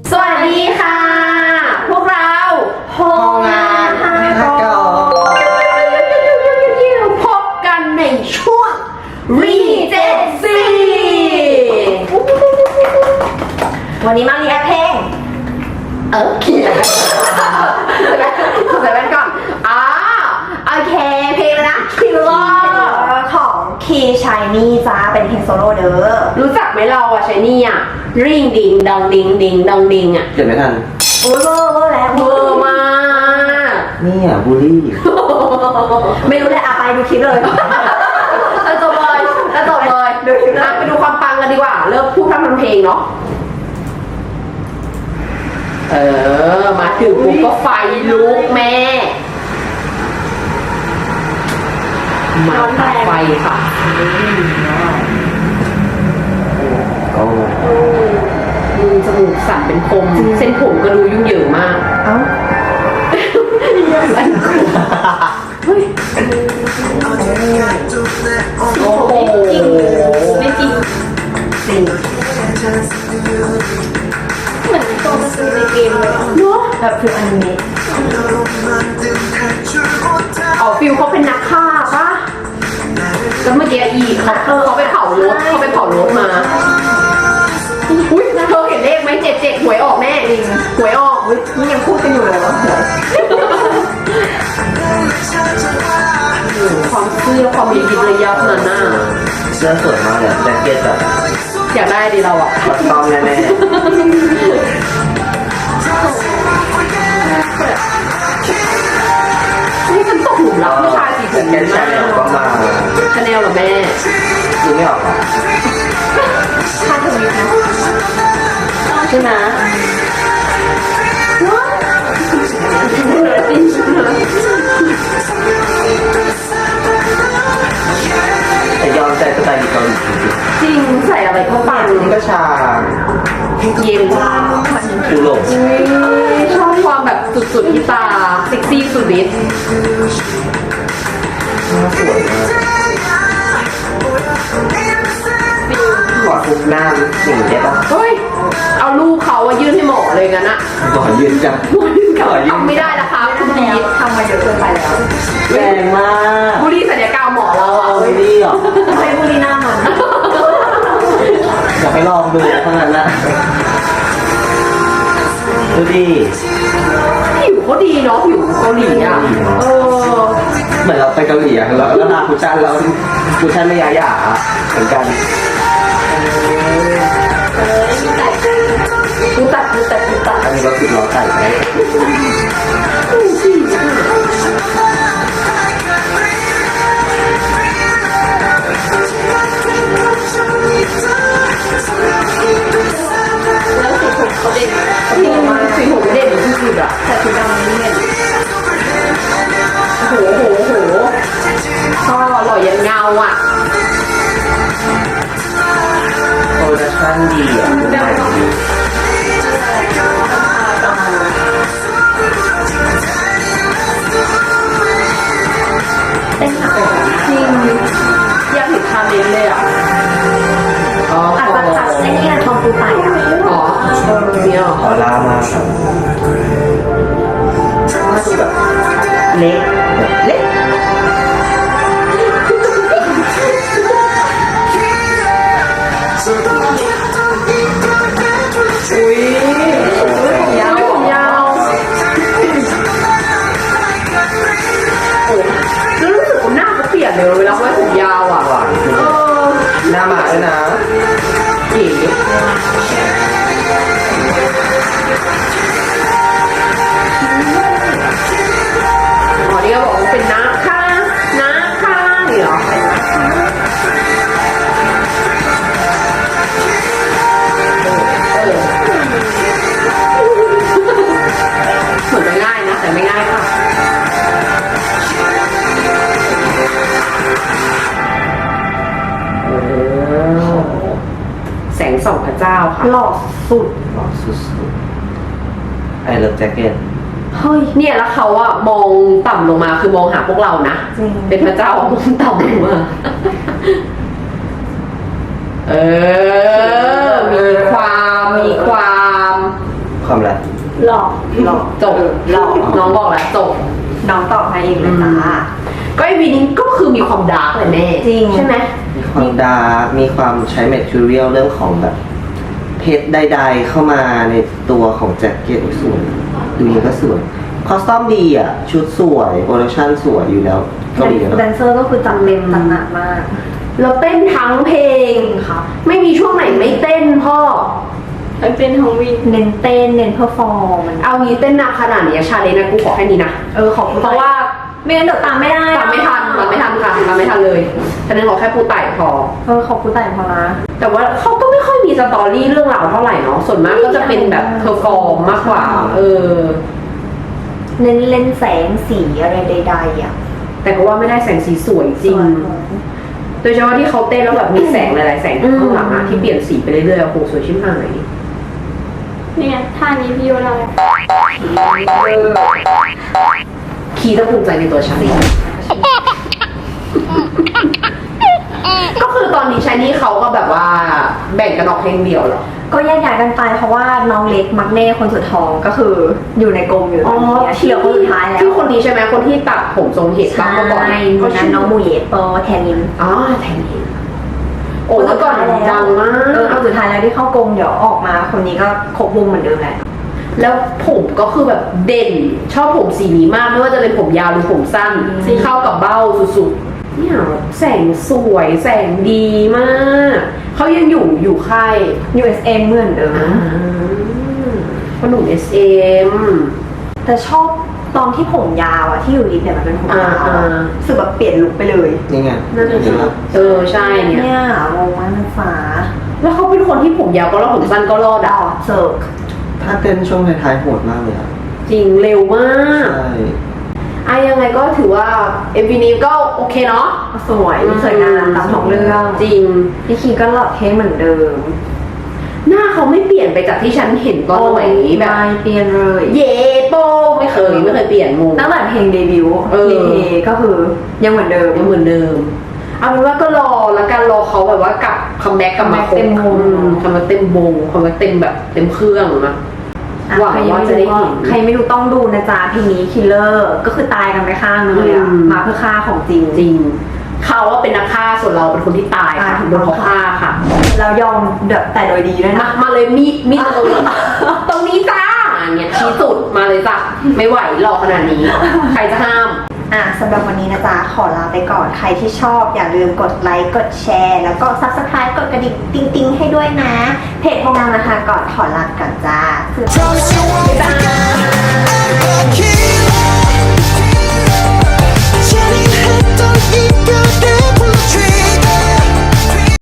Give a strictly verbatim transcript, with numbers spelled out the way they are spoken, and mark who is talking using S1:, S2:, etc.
S1: สวัสดีค่ะ พวกเราโฮงานฮากอพบกันในช่วงรีเจนซีวันนี้มารีแอคเพลงเออเขียนใส่แว่นก่อนอ่าโอเคเพลงนะคิลเลอร์ของคีชายนี่จ้าเป็นเพลงโซโล่เด้อรู้จักไหมเราอะชายนี่อะริงดิงดองดิงดิงดองดิงอะ
S2: เดี๋ยวไม่ทัน
S1: โอ้ยเวอร์เวอร์แล้วเวอร์มาก
S2: นี่อ่ะบูลลี่
S1: ไม่รู้เลยอะไปดูคลิปเลยแล้วจบเลยแล้วจบเลยดูคลิปนะไปดูความปังกันดีกว่าเริ่มพูดทำทำเพลงเนาะเออมาถึงปุ๊บก็ไฟลุกแม่มาตัดไฟค่ะ
S2: โอ้
S1: มือจมูกสั่นเป็นคมเส้นผมก็ดูยุ่งเหยิงมากเอ้าเฮ้ยโอ้โหไม่จริงจริงเหมือนตัวการ์ตูนในเกมเลยเนาะแบบฟิลอนิเมะอ๋อฟิลเขาเป็นนักฆ่าปะแล้วเมื่อกี้อีเขาเขาไปเผารถเขาไปเผารถมาอุ้ยเธอเห็นเลขไหมเจ็ดเจ็ดหวยออกแม่จริงหวยออกอุ้ยนี่ยังพูดกันอยู่เลยความเสื้อความยิบระยับนั่นน่ะ
S2: เสื้อสวยมากเลยแจ็คเก็ตแบบ
S1: อยากได้ดิเราอ่ะ
S2: ต้องแน่แน่
S1: นี่ฉันตกหลุมรักผู้ชายสีผม
S2: แจ็คเก็ตชาแนลก็มา
S1: ชาแนลเหรอแม่
S2: ดูไม่ออกหรอ
S1: ค่าทวีนะใช่ไหม
S2: แต่ยอมใจสไตล์เกาหลี
S1: จริงใส่อะไรเข้าไป
S2: นี่ก็ชา
S1: เย็นว่า
S2: ดูหลง
S1: ชอบความแบบสุดๆที่ตาเซ็กซี่สุดฤทธิ์
S2: สวยมากขอทุกหน้าสิ่งได้ปะ
S1: เฮ้ยเอาลูกเขาอะยื่นให้หมอเลยงั้นอะ
S2: ขอยืนจัง
S1: ขอยืนทำไม่ได้นะคะคุณพีททำมาเยอะเกินไปแล้ว
S2: แรงมาก
S1: บุรีสัญญากรรมหมอเราอะ
S2: บุรีเหรอ
S1: ไม่บุรีหน้ามัน
S2: อยากไปลองดูเท่านั้นนะดูดิ
S1: ผิวเขาดีเนาะผิวเกาหลีอ่ะเออ
S2: เหมือนเราไปเกาหลีอ่ะแล้วแล้วนาคุชันเราคุชันไม่ยาหยาเหมือนกัน
S1: กูตัดกูตัดกูตัด
S2: อันนี้ก็คือเราใส่ไป
S1: แล้วสีผมเขาเด่นสีผมสีผมเด่นสุดๆอ่ะแต่สีดำนี่เด่นโอ้โหโหโหชอบหล่อยันเงาอ่ะ
S2: โปรดักชั่นดีอ่ะดูใหม่ดี
S1: เต้นหนักจริงอยากเห็นคาเมนเลยอ่ะ
S2: อ๋อ
S1: อาจจะทัดไอ้นี่ทองปูไต่อ่ะอ๋อเนี่ย
S2: ออร่ามากครับน่าจะแบบเล็กเล็ก
S1: อุ้ยผมยาวผมยาวโอ้แล้วรู้สึกว่าหน้าเขาเปลี่ยนเลยเวลาไว้ผมยาวอ่ะ
S2: หวานขึ้นหน้าหมาด้วยนะ
S1: เก๋อ๋อนี่ก็บอกว่าเป็นน้าค่ะน้าค่ะนี่เหรอเป็นน้าค่ะเหมือนจะง่ายนะแต่ไม่ง่ายค่ะแสงส่องพระเจ้าค่ะหล่อสุด
S2: หล่อสุดๆไอเลิฟแจ็คเก็ต
S1: เฮ้ยเนี่ยแล้วเขาอะมองต่ำลงมาคือมองหาพวกเรานะเป็นพระเจ้ามองต่ำลงมาเออมีความมีความ
S3: หลอก
S1: จบ
S3: หลอก
S1: น้องบอกแล้วจบ
S3: น้องตอบมาเองเลยจ้า
S1: ก็ไอวีนี้ก็คือมีความดาร์กเลยแม่
S3: จริง
S1: ใช่ไหม
S2: มีความดาร์กมีความใช้แมททีเรียลเรื่องของแบบเพชรใดๆเข้ามาในตัวของแจ็คเก็ตสวยดูนี้ก็สวยคอสตอมดีอ่ะ ชุดสวยโปรดักชั่นสวยอยู่แล้วเกาหลี
S3: แด
S2: เนาะ
S3: นเซอร์ก็คือจัดเต็มจัดหนักมาก
S1: เราเต้นทั้งเพลง
S3: ครับ
S1: ไม่มีช่วงไหนไม่เต้นพ่อ
S4: มันเป็นของวิน
S3: เน้นเต้นเน้นเพอร์ฟอร์ม
S1: เอางี้เต้นหนักขนาดนี้ชาเลนจ์นะกูขอแค่นี้นะ
S3: เออขอบคุณ
S1: เพราะว่า
S3: ไม่งั้นเดี๋ยวตามไม่ได้
S1: ตามไม่ทันตามไม่ทันค่ะตามไม่ทันเลยฉะนั้นขอแค่ปูไต่พอ
S3: เออขอบคุณแต่พอนะ
S1: แต่ว่าเขาก็ไม่ค่อยมีสตอรี่เรื่องราวเท่าไหร่เนาะส่วนมากก็จะเป็นแบบเพอร์ฟอร์มมากกว่า เออ
S3: เน้นเล่นแสงสีอะไรใดๆอ่ะ
S1: แต่ก็ว่าไม่ได้แสงสีสวยจริง โดยเฉพาะที่เขาเต้นแล้วแบบมีแสงหลายๆแสงข้างหลังอะที่เปลี่ยนสีไปเรื่อยๆโอ้โหสวยชิบหาย
S4: นี่ไงท่านี้พี่โยเรา
S1: คีย์ต้องภูมิใจในตัวฉันก็คือตอนนี้ชายนี่เขาก็แบบว่าแบ่งกันออกเพลงเดียวเหรอ
S3: ก็แยกย้ายกันไปเพราะว่าน้องเล็กมักเน่คนสุดท้องก็คืออยู่ในกรมอยู่ตอนนี้ที่เหลือคนสุดท้ายแล้ว
S1: ที่คนนี้ใช่ไหมคนที่ตัดผมทรงเห็ดบ้างเมื่อก่อน
S3: ใช่
S1: เขา
S3: นั้
S1: ชื่
S3: น
S1: อ
S3: น้องมูเยโปแทนิน
S1: อ๋อแทนนี่โอ้เมื่อก่อนดังมา
S3: เออก คนสุดท้ายแล้วที่เข้ากรมเดี๋ยวออกมาคนนี้ก็ครบวงเหมือนเดิมแหละ
S1: แล้วผมก็คือแบบเด่นชอบผมสีนี้มากไม่ว่าจะเป็นผมยาวหรือผมสั้นที่เข้ากับเบ้าสุดๆเนี่ยแสงสวยแสงดีมากเขายังอยู่อยู่ค่าย
S3: ยู เอส เอ็ม เหมือนเดิม
S1: ขนม เอส เอ็ม
S3: แต่ชอบตอนที่ผมยาวอะที่อยู่ลิฟต์เนี่ยมันเป็นผมยาว
S1: อ่า
S3: อะ
S1: อ่า
S3: รู้สึกแบบเปลี่ยนลุคไปเลย
S2: นี่ไง
S1: นั่น
S2: เห็
S1: ใช่
S2: นไหม
S1: เออใช่เนี่ย
S3: เนี่ยงงมากมันฟ้า
S1: แล้วเขาเป็นคนที่ผมยาวก็รอดผมสั้นก็รอด
S3: ด
S1: อ่ะ
S3: อกเซิร์ก
S2: ถ้าเต้นช่วงท้ายๆโหดมากเลยอ่ะ
S1: จริงเร็วมาก
S2: ใช่
S1: อ่ะยังไงก็ถือว่าเอ็มวีนี้ก็โอเคเนาะ
S3: สวยสวยงามตามท้องเรื่อง
S1: จริง
S3: พี่คีก็หล่อเท่เหมือนเดิม
S1: หน้าเขาไม่เปลี่ยนไปจากที่ฉันเห็นตอนสมัยนี้แบบ
S3: ไม่เปลี่ยนเลย
S1: เย่โปไม่เคยไม่เคยเปลี่ยนมุม
S3: ตั้งแต่เพลงเดบิวต์
S1: เออ
S3: เยก็คือยังเหมือนเดิม
S1: ยังเหมือนเดิม เอาเป็นว่าก็รอแล้วกันรอเขาแบบว่ากลับคัมแบ็กกลับมาครบ
S3: เต็มวง
S1: คัมแบ็กเต็มวงคัมแบ็กเต็มแบบเต็มเครื่องนะ
S3: อ่ะ
S1: หวัง
S3: ใครยัง
S1: ว่า
S3: ไม่
S1: จะได้
S3: รู้
S1: เห็
S3: ก็
S1: น
S3: ใครไม่รู้ต้องดูนะจ๊ะเพลงนี้คิลเลอร์ก็คือตายกันไปข้างนึงเลยอะ
S1: อืม
S3: มาเพื่อฆ่าของจริง
S1: จริงเขาว่าเป็นนักฆ่าส่วนเราเป็นคนที่ตายค่ะ
S3: อ่า
S1: โดนเขาฆ่าค่ะ
S3: แล้วยอมแบบแต่โดยดีด้วย
S1: มา
S3: นะ
S1: มาเลยมีดมีดตรงนี้ ตรงนี้จ้าอย่างเงี้ยชี้สุดมาเลยจ้ะไม่ไหวหรอกขนาดนี้ ใครจะห้าม
S3: อ่ะสำหรับวันนี้นะจ๊ะขอลาไปก่อนใครที่ชอบอย่าลืมกดไลค์กดแชร์ แล้วก็ ซับสไครบ์ กดกระดิ่งติ๊งๆให้ด้วยนะ เพจของเรานะคะก่อนขอลาก่อนจ้า